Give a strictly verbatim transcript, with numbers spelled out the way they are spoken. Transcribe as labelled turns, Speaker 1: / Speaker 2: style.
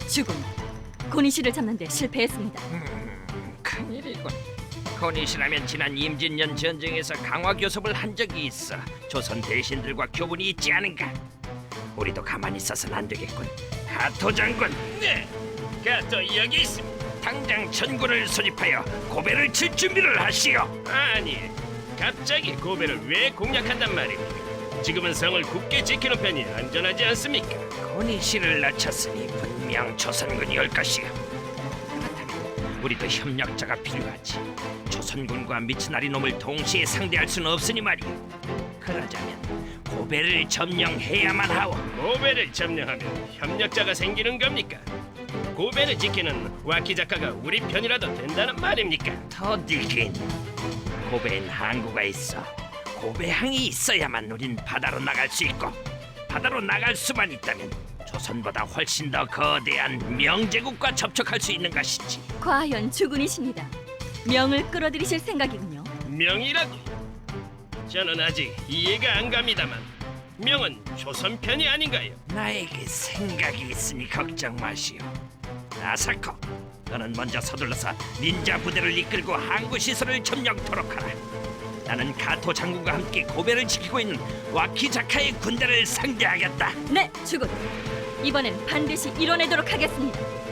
Speaker 1: 죽음. 고니시를 잡는데 실패했습니다.
Speaker 2: 음, 큰일이군. 고니시라면 지난 임진년 전쟁에서 강화 교섭을 한 적이 있어 조선 대신들과 교분이 있지 않은가? 우리도 가만히 있어서는 안 되겠군. 가토 장군,
Speaker 3: 네, 가또 여기 있습니다.
Speaker 2: 당장 전군을 소집하여 고배를 칠 준비를 하시오.
Speaker 3: 아니, 갑자기 고베를 왜 공략한단 말입니까? 지금은 성을 굳게 지키는 편이 안전하지 않습니까?
Speaker 2: 고니시를 낮췄으니 분명 조선군이 올 것이오. 그렇다면 우리도 협력자가 필요하지. 조선군과 미츠나리 놈을 동시에 상대할 수는 없으니 말이오. 그러자면 고배를 점령해야만 하오.
Speaker 3: 고베를 점령하면 협력자가 생기는 겁니까? 고베를 지키는 와키자카가 우리 편이라도 된다는 말입니까?
Speaker 2: 더디긴 고배엔 항구가 있어. 고배항이 있어야만 우린 바다로 나갈 수 있고, 바다로 나갈 수만 있다면 조선보다 훨씬 더 거대한 명제국과 접촉할 수 있는 것이지.
Speaker 1: 과연 주군이십니다. 명을 끌어들이실 생각이군요.
Speaker 3: 명이라고? 저는 아직 이해가 안 갑니다만 명은 조선 편이 아닌가요?
Speaker 2: 나에게 생각이 있으니 걱정 마시오. 나사코, 너는 먼저 서둘러서 닌자 부대를 이끌고 항구 시설을 점령토록 하라. 나는 가토 장군과 함께 고배를 지키고 있는 와키자카의 군대를 상대하겠다.
Speaker 1: 네, 주군. 이번엔 반드시 이뤄내도록 하겠습니다.